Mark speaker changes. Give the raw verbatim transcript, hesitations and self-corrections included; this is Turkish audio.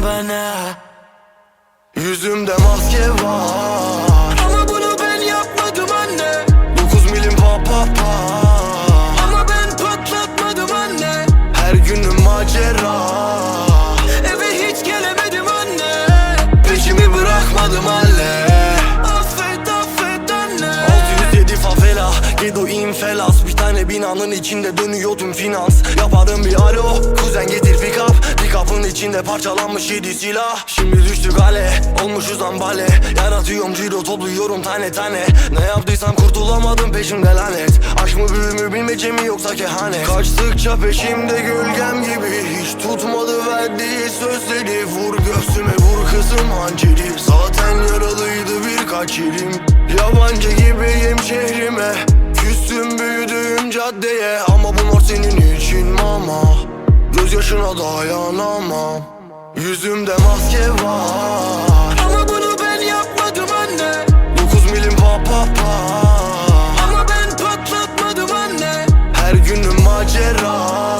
Speaker 1: bana. Yüzümde maske var ama bunu ben yapmadım anne. Dokuz milim pa pa pa ama ben patlatmadım anne. Her günüm macera, eve hiç gelemedim anne. Peşimi bırakmadım anne. Affet affet anne. Altı yüz yedi favela, Gedo infelas. Bir tane binanın içinde dönüyor tüm finans. Yaparım bir alo, kuzen getir pick up. Pick up'ın içinde parçalanmış yedi silah. Şimdi düştük hale, olmuşuz ambale. Yaratıyorum ciro, topluyorum tane tane. Ne yaptıysam kurtulamadım, peşimde lanet. Aşk mı büyü mü bilmece mi yoksa kehanet. Kaçtıkça peşimde gölgem gibi. Hiç tutmadı verdiği sözleri. Vur göğsüme vur kızım hançeri. Zaten yaralıydı birkaç yerim. Yabancı gibiyim şehrime. Küstüm büyüdüğüm caddeye. Ama bu mor senin için mama. Gözyaşına dayanamam. Yüzümde maske var ama bunu ben yapmadım anne. Dokuz milim pa pa pa ama ben patlatmadım anne. Her günüm macera,